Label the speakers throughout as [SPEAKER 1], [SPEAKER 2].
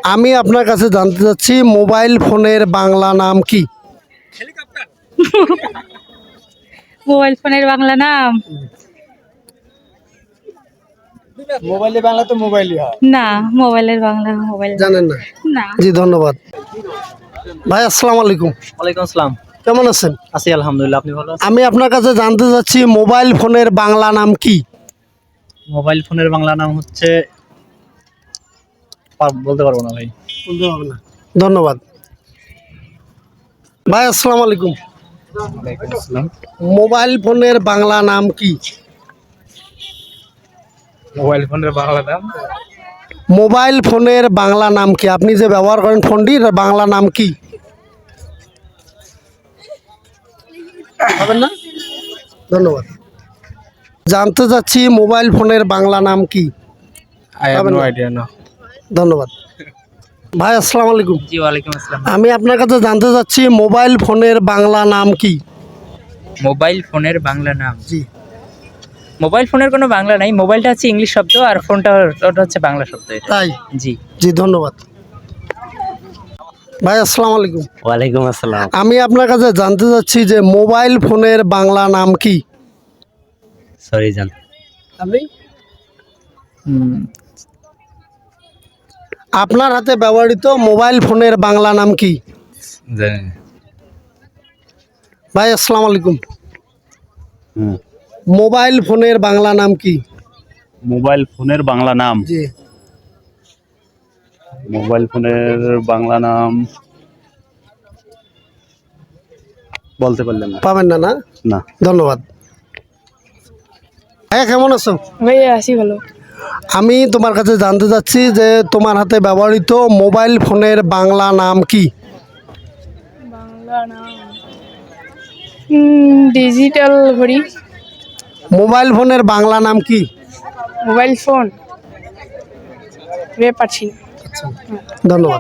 [SPEAKER 1] আমি আপনার কাছে জানতে চাচ্ছি মোবাইল ফোনের বাংলা নাম কি?
[SPEAKER 2] মোবাইল ফোনের বাংলা নাম
[SPEAKER 3] মোবাইলে বাংলা তো মোবাইলই হয়।
[SPEAKER 2] না, মোবাইলের বাংলা মোবাইল
[SPEAKER 1] জানেন না?
[SPEAKER 2] না।
[SPEAKER 1] জি ধন্যবাদ। ভাই আসসালামু আলাইকুম,
[SPEAKER 4] ওয়ালাইকুম আসসালাম।
[SPEAKER 1] কেমন আছেন?
[SPEAKER 4] আছি আলহামদুলিল্লাহ, আপনি ভালো আছেন?
[SPEAKER 1] আমি আপনার কাছে জানতে চাচ্ছি মোবাইল ফোনের বাংলা নাম কি?
[SPEAKER 4] মোবাইল ফোনের বাংলা নাম হচ্ছে বলতে পারবো না ভাই।
[SPEAKER 1] বলতে পারবো না। ধন্যবাদ। ভাই আসসালামু আলাইকুম,
[SPEAKER 4] ওয়ালাইকুম আসসালাম।
[SPEAKER 1] মোবাইল ফোনের বাংলা নাম কি?
[SPEAKER 4] মোবাইল ফোনের বাংলা নাম
[SPEAKER 1] মোবাইল ফোনের বাংলা নাম কি? আপনি যে ব্যবহার করেন ফোনটি, এর বাংলা নাম কি? পাবেন না? ধন্যবাদ। জানতে চাচ্ছি মোবাইল ফোনের বাংলা নাম কি?
[SPEAKER 4] আই হ্যাভ
[SPEAKER 1] পাবেন
[SPEAKER 4] নো
[SPEAKER 1] না?
[SPEAKER 4] আইডিয়া না।
[SPEAKER 1] ধন্যবাদ। ভাই আসসালামু আলাইকুম,
[SPEAKER 4] জি ওয়ালাইকুম আসসালাম।
[SPEAKER 1] আমি আপনার কাছে জানতে চাচ্ছি মোবাইল ফোনের বাংলা নাম কি?
[SPEAKER 5] মোবাইল ফোনের বাংলা নাম,
[SPEAKER 1] জি।
[SPEAKER 5] মোবাইল ফোনের কোনো বাংলা নাই। মোবাইলটা হচ্ছে ইংলিশ শব্দ আর ফোনটা ওটা হচ্ছে বাংলা শব্দ। এটা
[SPEAKER 1] তাই?
[SPEAKER 5] জি।
[SPEAKER 1] জি ধন্যবাদ। ভাই আসসালামু আলাইকুম,
[SPEAKER 4] ওয়ালাইকুম আসসালাম।
[SPEAKER 1] আমি আপনার কাছে জানতে চাচ্ছি যে মোবাইল ফোনের বাংলা নাম কি?
[SPEAKER 4] সরি জান।
[SPEAKER 1] আপনি আপনার হাতে ব্যবহৃত মোবাইল ফোনের বাংলা নাম কি?
[SPEAKER 4] জানি।
[SPEAKER 1] ভাই আসসালামু আলাইকুম,
[SPEAKER 6] হুম।
[SPEAKER 1] মোবাইল ফোনের বাংলা নাম কি?
[SPEAKER 6] মোবাইল ফোনের বাংলা নাম,
[SPEAKER 1] জি।
[SPEAKER 6] মোবাইল ফোনের বাংলা নাম বলতে পারলেন না?
[SPEAKER 1] পাবেন না? না,
[SPEAKER 6] না।
[SPEAKER 1] ধন্যবাদ। হ্যাঁ, কেমন আছো?
[SPEAKER 2] ভাইয়া আছি ভালো।
[SPEAKER 1] আমি তোমার কাছে জানতে চাচ্ছি যে তোমার হাতে ব্যবহৃত মোবাইল ফোনের বাংলা নাম কি?
[SPEAKER 2] বাংলা নাম ডিজিটাল ঘড়ি।
[SPEAKER 1] মোবাইল ফোনের বাংলা নাম কি?
[SPEAKER 2] মোবাইল ফোন পাচ্ছি না।
[SPEAKER 1] ধন্যবাদ।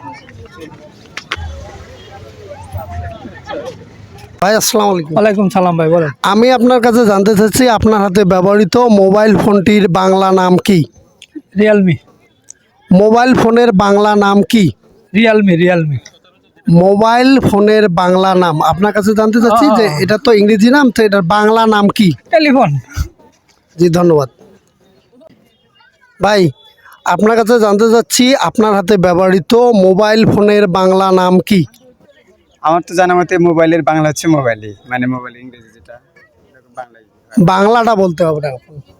[SPEAKER 1] ভাই আসসালামু আলাইকুম,
[SPEAKER 3] ওয়ালাইকুম সালাম ভাই, বলেন।
[SPEAKER 1] আমি আপনার কাছে জানতে চাচ্ছি আপনার হাতে ব্যবহৃত মোবাইল ফোনটির বাংলা নাম কি?
[SPEAKER 3] রিয়েলমি।
[SPEAKER 1] মোবাইল ফোনের বাংলা নাম কি?
[SPEAKER 3] রিয়েলমি।
[SPEAKER 1] মোবাইল ফোনের বাংলা নাম আপনার কাছে জানতে চাচ্ছি যে এটা তো ইংরেজি নাম, তো এটার বাংলা নাম কি?
[SPEAKER 3] টেলিফোন।
[SPEAKER 1] জি ধন্যবাদ। ভাই আপনার কাছে জানতে চাচ্ছি আপনার হাতে ব্যবহৃত মোবাইল ফোনের বাংলা নাম কি?
[SPEAKER 3] আমার তো জানা মতে মোবাইলের বাংলা হচ্ছে মোবাইলই, মানে মোবাইল ইংরেজি যেটা বাংলাই।
[SPEAKER 1] বাংলাটা বলতে হবে না।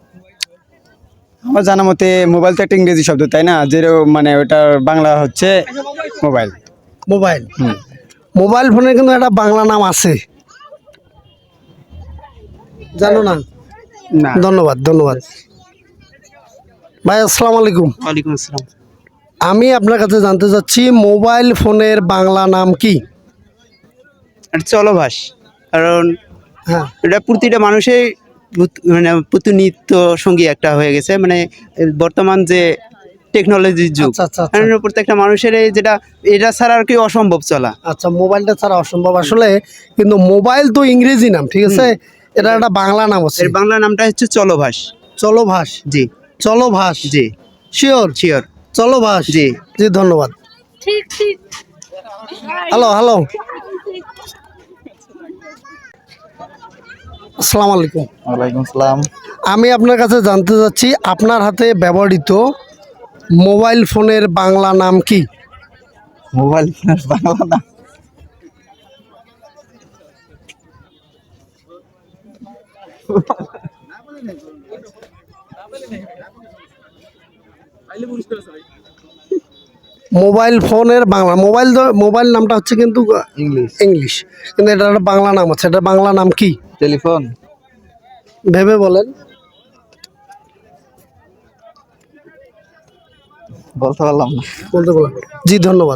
[SPEAKER 3] আমার জানা মতে মোবাইল তো একটা ইংরেজি শব্দ, তাই না? মানে ওটার বাংলা হচ্ছে মোবাইল।
[SPEAKER 1] মোবাইল, মোবাইল ফোনের কিন্তু একটা বাংলা নাম আছে, জানো না?
[SPEAKER 3] না।
[SPEAKER 1] ধন্যবাদ। ধন্যবাদ। ভাই আসসালামু আলাইকুম,
[SPEAKER 4] ওয়ালাইকুম আসসালাম।
[SPEAKER 1] আমি আপনার কাছে জানতে চাচ্ছি মোবাইল ফোনের বাংলা নাম কি?
[SPEAKER 7] এটা চলভাস, কারণ
[SPEAKER 1] হ্যাঁ,
[SPEAKER 7] এটা প্রতিটা মানুষের মানে প্রতিনিত্য সঙ্গী একটা হয়ে গেছে, মানে বর্তমান যে টেকনোলজির যুগ,
[SPEAKER 1] আচ্ছা আচ্ছা আচ্ছা।
[SPEAKER 7] কারণ প্রত্যেকটা মানুষের এটা ছাড়া আর কি অসম্ভব চলা।
[SPEAKER 1] আচ্ছা, মোবাইলটা ছাড়া অসম্ভব আসলে, কিন্তু মোবাইল তো ইংরেজি নাম, ঠিক আছে, এটা একটা বাংলা নাম আছে।
[SPEAKER 7] এর বাংলা নামটা হচ্ছে চলভাস।
[SPEAKER 1] চলো ভাস।
[SPEAKER 7] জি
[SPEAKER 1] চলো ভাস।
[SPEAKER 7] জি
[SPEAKER 1] শিওর?
[SPEAKER 7] শিওর।
[SPEAKER 1] চলো ভাস।
[SPEAKER 7] জি।
[SPEAKER 1] জি ধন্যবাদ।
[SPEAKER 2] ঠিক ঠিক।
[SPEAKER 1] হ্যালো হ্যালো, আসসালামু আলাইকুম,
[SPEAKER 4] ওয়ালাইকুম সালাম।
[SPEAKER 1] আমি আপনার কাছে জানতে চাচ্ছি আপনার হাতে ব্যবহৃত মোবাইল ফোনের বাংলা নাম কি?
[SPEAKER 4] মোবাইল ফোনের বাংলা নাম
[SPEAKER 1] মোবাইল ফোনের বাংলা, মোবাইল নামটা হচ্ছে কিন্তু ইংলিশ, কিন্তু এটা একটা বাংলা নাম আছে, এটা বাংলা নাম কি?
[SPEAKER 4] টেলিফোন।
[SPEAKER 1] ভেবে বলেন।
[SPEAKER 4] বলতে পারলাম না।
[SPEAKER 1] বলতে বলেন। জি ধন্যবাদ।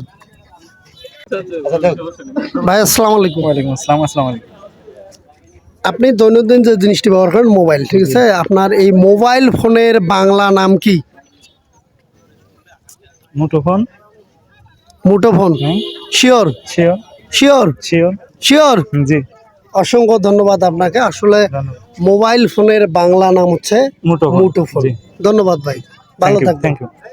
[SPEAKER 1] ভাই আসসালামু আলাইকুম,
[SPEAKER 4] ওয়ালাইকুম আসসালাম। আসসালামু আলাইকুম।
[SPEAKER 1] আপনি দৈনন্দিন যে জিনিসটি ব্যবহার করেন মোবাইল, ঠিক আছে, আপনার এই মোবাইল ফোনের বাংলা নাম কি?
[SPEAKER 4] মুঠোফোন।
[SPEAKER 1] মুঠোফোন? Sure?
[SPEAKER 4] Sure.
[SPEAKER 1] Sure?
[SPEAKER 4] Sure.
[SPEAKER 1] Sure?
[SPEAKER 4] জি।
[SPEAKER 1] অসংখ্য ধন্যবাদ আপনাকে। আসলে মোবাইল ফোনের বাংলা নাম হচ্ছে
[SPEAKER 4] মুঠোফোন।
[SPEAKER 1] মুঠোফোন।
[SPEAKER 4] জি।
[SPEAKER 1] ধন্যবাদ ভাই, ভালো থাকবেন।
[SPEAKER 4] Thank you.